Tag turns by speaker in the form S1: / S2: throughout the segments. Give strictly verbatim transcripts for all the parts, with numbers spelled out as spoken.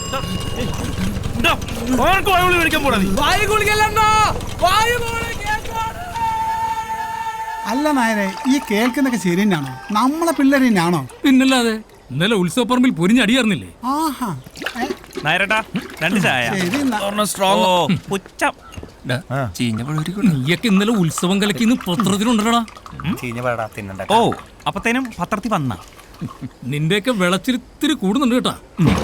S1: അല്ല നായരെ, ഈ കേൾക്കുന്നൊക്കെ ശരി തന്നെയാണോ? നമ്മളെ പിള്ളേര് തന്നെയാണോ?
S2: പിന്നല്ലാതെ ഇന്നലെ ഉത്സവപ്പറമ്പിൽ പൊരിഞ്ഞടിയായിരുന്നില്ലേ?
S1: ആഹാ,
S3: നായരട്ടാ രണ്ട് ചായ.
S2: നീയൊക്കെ ഇന്നലെ ഉത്സവം കലക്കിന്ന് പത്രത്തിലുണ്ടല്ലോടാ.
S3: ഓ അപ്പത്തേനും പത്രത്തിൽ വന്ന
S2: നിന്റെയൊക്കെ വിളച്ചിരിത്തിരി കൂടുന്നുണ്ട് കേട്ടാ.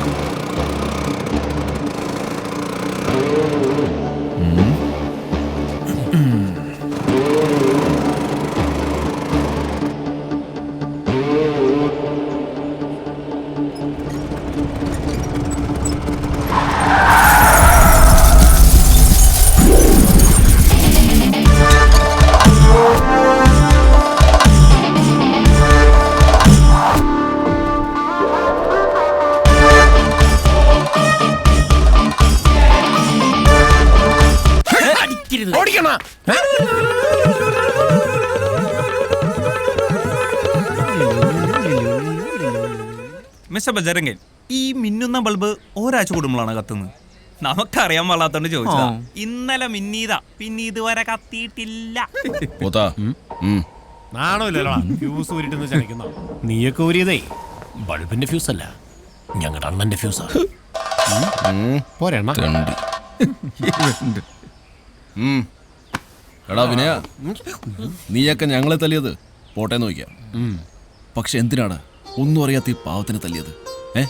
S3: മിസ്റ്റർ ബജരംഗൻ, ഈ മിന്നുന്ന ബൾബ് ഒരാഴ്ച കൂടുമ്പോഴാണ് കത്തുന്നത്. നമുക്കറിയാൻ പാടാത്തോണ്ട് ചോദിച്ചതാ. ഇന്നലെ മിന്നീതാ, പിന്നെ ഇതുവരെ കത്തിയിട്ടില്ല.
S4: നീയൊക്കെ ഊരിയതേ ബൾബിന്റെ ഫ്യൂസ് അല്ല, ഞങ്ങളുടെ അണ്ണന്റെ ഫ്യൂസാ. പോരെണ്ണ
S5: എടാ വിനയ, നീയൊക്കെ ഞങ്ങളെ തല്ലിയത് പോട്ടെ നോക്കിയാ, പക്ഷെ എന്തിനാണ് ഒന്നും അറിയാത്ത ഈ പാവത്തിന് തല്ലിയത്? ഏ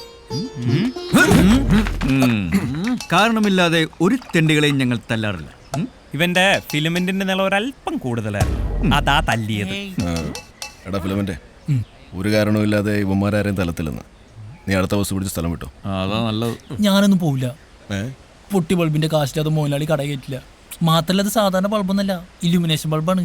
S6: കാരണമില്ലാതെ ഒരു തെണ്ടികളെയും ഞങ്ങൾ തല്ലാറില്ല.
S3: ഇവന്റെ ഫിലിമെന്റിന്റെ നില ഒരല്പം കൂടുതലായിരുന്നു, അതാ തല്ലിയത്.
S5: എടാ ഫിലമെന്റ്, ഒരു കാരണവുമില്ലാതെ ഇവന്മാരാരെയും തലത്തില്ലെന്ന്. നീ അടുത്ത ബസ് പിടിച്ച് സ്ഥലം വിട്ടോ.
S6: അതാ നല്ലത്.
S7: ഞാനൊന്നും പോവില്ല. പൊട്ടി ബൾബിന്റെ കാശിൽ അത് മോലാളി കട കയറ്റില്ല. മാത്രല്ല, അത് സാധാരണ ബൾബൊന്നല്ല, ഇല്യൂമിനേഷൻ ബൾബാണ്.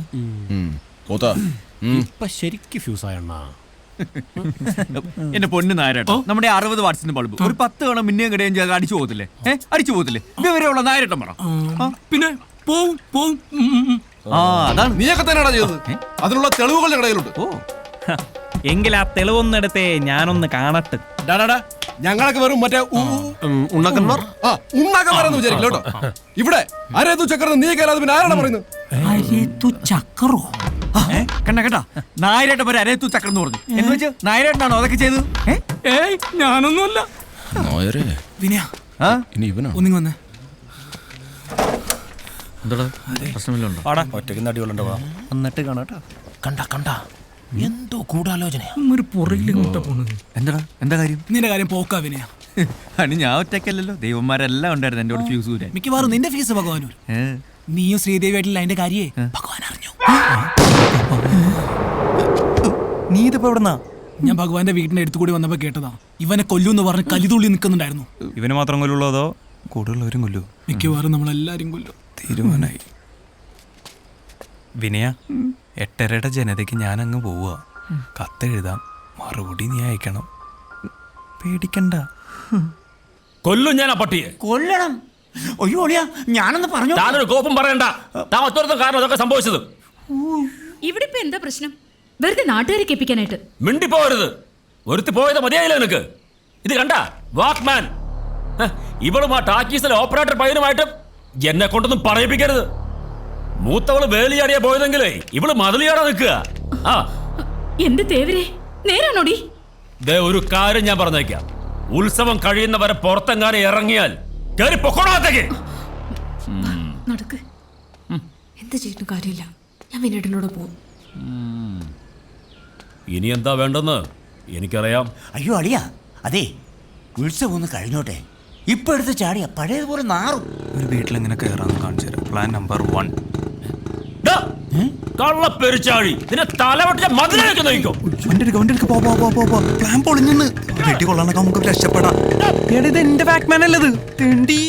S4: ഇപ്പൊ ശരിക്ക് ഫ്യൂസായണ്ണ.
S6: എന്റെ പൊന്ന് നായരട്ടോ, നമ്മുടെ അറുപത് വാട്സിന്റെ ബൾബ് ഒരു പത്ത് തവണ മിന്നിയും കിടയും ചെയ്ത് അടിച്ചു പോകത്തില്ലേ? ഏഹ് അടിച്ചു പോകത്തില്ലേ? വിവരമുള്ള നായരട്ടം പറ.
S2: പിന്നെ പോവും പോവും.
S6: ആ അതാണ്
S5: നീയൊക്കെ തന്നെയാണോ ചെയ്തത്? അതിനുള്ള തെളിവുകൾ ഞങ്ങളുടെ കയ്യിലുണ്ട്.
S3: ഓ എങ്കിൽ ആ തെളിവൊന്നെടുത്തേ ഞാനൊന്ന് കാണട്ടെ.
S5: ഞങ്ങളൊക്കെ വെറും മറ്റേ
S4: ഉണ്ണക്കന്മാർ
S5: ഉണ്ണാക്കന്മാരെന്ന് വിചാരിക്കില്ല കേട്ടോ. ഇവിടെ അരേതു ചക്രം നീ കേരളത്തിൽ പിന്നെ ആരാണ് പറയുന്നത്?
S7: ചക്കറോ?
S6: കണ്ട കേട്ടാ, നായരേട്ട പേര് അരയത്തു ചക്രം എന്ന് പറഞ്ഞു. എന്ന് വെച്ച് നായരേട്ടനാണോ അതൊക്കെ ചെയ്തത്?
S2: ഏയ് ഞാനൊന്നുമല്ല.
S7: വിനയ,
S5: ഇനി ഇവനാ
S7: ഒന്നിങ്ങി വന്നേ.
S6: പ്രശ്നമില്ലുണ്ടോ?
S4: ഒറ്റയ്ക്ക് നടികളുണ്ടോ? എന്നിട്ട് കാണാട്ടോ. കണ്ട കണ്ട എന്തോ ഗൂഢാലോചന.
S2: ഒരു പുറകിലിങ്ങോട്ടാ പോണത്.
S6: എന്താടാ, എന്താ കാര്യം?
S7: നിന്റെ കാര്യം പോക്കാ വിനയ.
S6: അനി ഞാൻ ഒറ്റയ്ക്കല്ലല്ലോ, ദൈവന്മാരെല്ലാം ഉണ്ടായിരുന്നു എന്റെ കൂടെ ഫ്യൂസ് ഊരാൻ.
S7: മിക്കവാറും നിന്റെ ഫീസ് ഭഗവാനൂർ. നീയും ശ്രീദേവിയായിട്ടില്ല അതിന്റെ കാര്യേ ഭഗവാൻ അറിഞ്ഞു.
S3: നീ ഇതിപ്പോ എവിടെന്നാ?
S7: ഞാൻ ഭഗവാന്റെ വീടിന്റെ അടുത്ത് കൂടി വന്നപ്പോ കേട്ടതാ. ഇവനെ കൊല്ലൂന്ന് പറഞ്ഞ് കലിതുള്ളി നിൽക്കുന്നുണ്ടായിരുന്നു.
S3: ഇവന് മാത്രം കൊല്ലുള്ളൂ അതോ കൂടുതലുള്ളവരും കൊല്ലൂ?
S7: മിക്കവാറും നമ്മളെല്ലാരും കൊല്ലും.
S3: തീരുമാനായി. വിനയ, എട്ടരയുടെ ജനതയ്ക്ക് ഞാൻ അങ്ങ് പോവുക. കത്തെഴുതാം, മറുപടി നീ അയക്കണം. പേടിക്കണ്ട.
S2: കൊല്ലും ഞാൻ ആ പട്ടിയെ.
S7: കൊല്ലണം? അയ്യോ അളിയാ, ഞാനൊന്ന് പറഞ്ഞു.
S2: താനൊരു കോപ്പം പറയണ്ട. താൻ ഒറ്റ കാരണം അതൊക്കെ സംഭവിച്ചത്.
S8: ഇവിടെ ഇപ്പൊ എന്താ പ്രശ്നം? വെറുതെ നാട്ടുകാരെ കേൾപ്പിക്കാനായിട്ട്
S2: മിണ്ടിപ്പോരുത്. ഒരുത്തി പോയത് മതിയായില്ല നിനക്ക്. ഇത് കണ്ട വാക്മാൻ, ഇവളും ആ ടാക്കീസിലെ ഓപ്പറേറ്റർ പയ്യനുമായിട്ട് എന്നെ കൊണ്ടൊന്നും പറയിപ്പിക്കരുത്. മൂത്തവള് വേലിയാടിയാ പോയതെങ്കിലേ ഇവള് മതിലിയാടാ നിൽക്കുക. ആ
S8: എന്റെ തേവരെ, നേരാണോടി?
S2: ദേ ഒരു കാര്യം ഞാൻ പറഞ്ഞേക്കാം, ഉത്സവം കഴിയുന്നവരെ പുറത്തെങ്ങാനും ഇറങ്ങിയാൽ കേറി പൊക്കോളാത്തേക്ക്.
S8: നടക്ക്. എന്ത് ചെയ്തിട്ടും കാര്യമില്ല, ഞാൻ വിനേട്ടനോട് പോകും.
S2: ഇനി എന്താ വേണ്ടെന്ന് എനിക്കറിയാം.
S9: അയ്യോ അളിയ, അതെ ഉത്സവം ഒന്ന് കഴിഞ്ഞോട്ടെ. ഇപ്പൊ എടുത്ത് ചാടിയ പഴയതുപോലെ നാറും.
S3: ഒരു വീട്ടിലെങ്ങനെ കയറാന്ന് കാണിച്ചു തരാം. Plan number one.
S2: കള്ളപ്പെരിച്ചാഴി, നിന്നെ തലവെട്ടിച്ച മതിലേക്ക് നയിക്കും.
S9: പ്ലാൻ പൊളിഞ്ഞെന്ന് വെട്ടി കൊള്ളാനൊക്കെ നമുക്ക് രക്ഷപ്പെടാം.
S3: ഇത് എന്റെ ബാക്ക്മാൻ അല്ലത്. തെണ്ടി.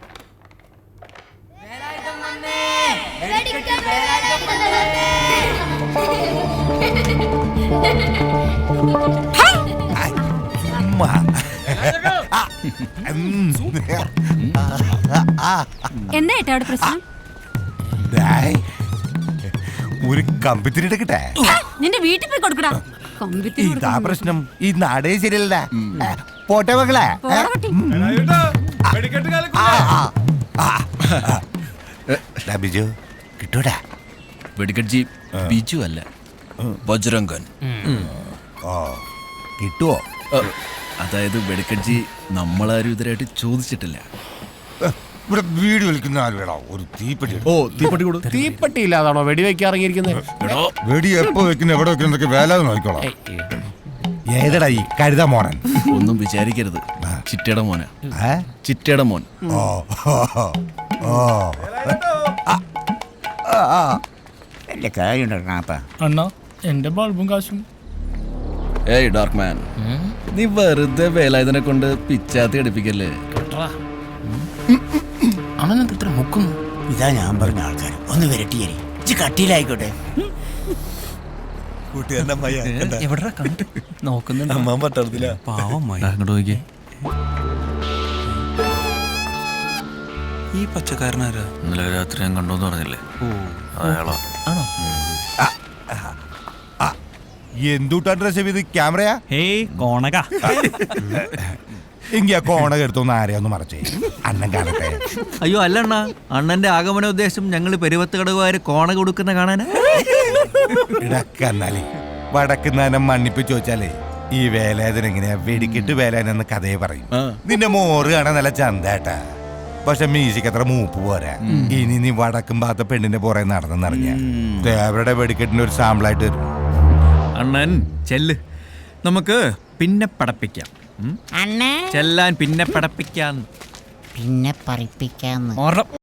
S8: എന്താ ഏട്ടാ അവിടെ പ്രശ്നം?
S9: ഒരു കമ്പിത്തിരി എടുക്കട്ടെ?
S8: നിന്റെ വീട്ടിൽ പോയി കൊടുക്കടാ.
S9: ഇതാ പ്രശ്നം. ഈ നാടേ ശരിയല്ല. പോട്ടെ മകളെ. ബിജു കിട്ടൂടാ.
S5: വെടിക്കട്ജി ബിജു അല്ല, ബജ്രംഗൻ.
S9: ഓ കിട്ടുവോ?
S5: അതായത് വെടിക്കട്ജി നമ്മളാരും ഇതിനായിട്ട് ചോദിച്ചിട്ടില്ല.
S9: ഇവിടെ വീട് വിളിക്കുന്ന ആര് വേണോ? ഒരു തീപ്പെട്ടി എടുക്ക്.
S5: ഓ തീപ്പെട്ടി കൊടു.
S4: തീപ്പെട്ടി ഇല്ലാതാണോ വെടിവെക്കാൻ ഇറങ്ങിയിരിക്കുന്നത്?
S9: വെടി എപ്പോ വെക്കുന്ന എവിടെ വെക്കുന്നതൊക്കെ വേലാതെ നോക്കിക്കോളാം. ഏതടാ ഈ കരുതാ മോനൻ?
S5: ഒന്നും വിചാരിക്കരുത്, ചിറ്റയുടെ മോന.
S9: ഏ?
S5: ചിറ്റയുടെ മോൻ.
S9: ഓ ഓ എന്റെ കാര്യമുണ്ടാ.
S7: അണ്ണാ എന്റെ ബൾബും കാശും.
S5: ഏയ് ഡാർക്ക് മാൻ, നീ വെറുതെ വേലായുധനെ കൊണ്ട് പിച്ചാത്തി അടിപ്പിക്കല്ലേ.
S4: അവനെന്ത് ഇത്ര മുക്കുന്നു?
S9: ഇതാ ഞാൻ പറഞ്ഞ ആൾക്കാർ. ഒന്ന് വരട്ടിയേരി ഇച്ചി കട്ടിയിലായിക്കോട്ടെ.
S4: എവിടെ കണ്ട് നോക്കുന്നുണ്ട്?
S3: പാവം മായ.
S5: അങ്ങോട്ട് നോക്കിയേ.
S3: ഈ പച്ചക്കാരനാരാ?
S5: ഇന്നലെ രാത്രി ഞാൻ കണ്ടോന്ന് പറഞ്ഞില്ലേ, അയാളാ.
S4: ആണോ?
S9: എന്തുട്ടാ ഡ്രസ് ചെയ്ത് ക്യാമറയാ?
S3: ഹേയ് കോണക.
S9: എങ്കി ആ കോണക എടുത്തൊന്ന് ആരെയൊന്ന് മറച്ചേ, അണ്ണൻ കാണട്ടെ.
S6: അയ്യോ അല്ല അണ്ണാ, അണ്ണന്റെ ആഗമന ഉദ്ദേശം ഞങ്ങൾ പെരുവത്ത് കടകുകാര് കോണ കൊടുക്കുന്ന കാണാനാ.
S9: ഇടക്കന്നാലേ വടക്കുന്നാനം മണ്ണിപ്പിച്ച് ചോദിച്ചാലേ ഈ വേലായുധൻ എങ്ങനെയാ വെടിക്കിട്ട് വേലാനെന്ന് കഥയെ പറയും. നിന്റെ മോറ് കാണാൻ നല്ല ചന്തേട്ടാ, പക്ഷെ മ്യൂസിക് അത്ര മൂപ്പ് പോരാ. ഇനി നീ വടക്കും ഭാഗത്തെ പെണ്ണിന്റെ പുറകെ നടന്നെന്നറിഞ്ഞ ദേവരുടെ വെടിക്കെട്ടിന്റെ ഒരു സാമ്പിളായിട്ട് വരും.
S6: അണ്ണൻ ചെല്ല്, നമുക്ക് പിന്നെ പടപ്പിക്കാം. ചെല്ലാൻ പിന്നെ പടപ്പിക്കാം.
S10: പിന്നെ പറയിപ്പിക്കാന്ന്.
S6: ഉറപ്പ്.